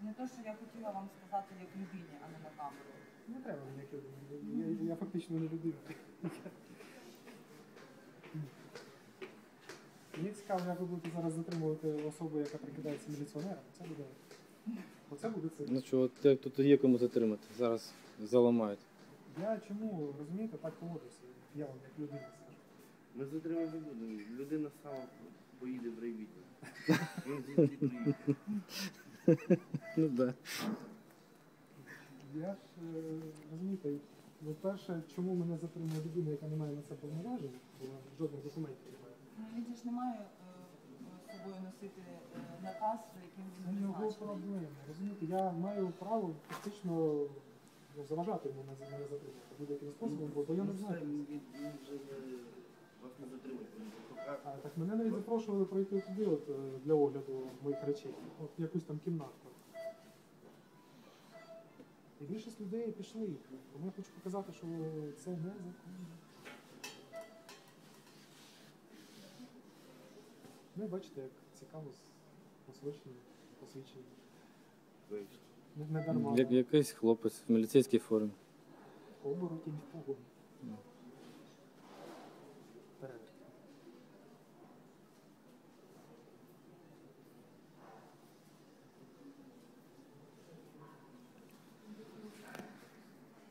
Не те, що я хотіла вам сказати як людині, а не на камеру. Не треба мені як людина. Я фактично не людина. Мені цікаво, як ви будете зараз затримувати особу, яка прикидається міліціонером. Оце буде це. Ну що, от тут є кому затримати. Зараз заламають. Я чому, розумієте, так поводився? Я вам як людина скажу. Ми затримати не будемо. Людина сама поїде в райвідділ. Він звідти приїде. Ну так. Я ж, розумієте, перше, чому мене затримує людина, яка не має на це повноважень, бо жодних документів немає. Ну, він же ж не має з собою носити наказ, яким Це він його призначений. проблема. Розумієте, я маю право фактично заважати йому мене затримати будь-яким способом, бо я не знаю. Він вже вас не затримує. Так мене навіть запрошували пройти туди от, для огляду моїх речей, от в якусь там кімнатку. І більшість людей пішли. Тому я хочу показати, що це незаконно. Ну і бачите, як цікаво посвідчення. Не дарма. Якийсь хлопець в міліцейській формі. Оборотінь в погоні. Ну.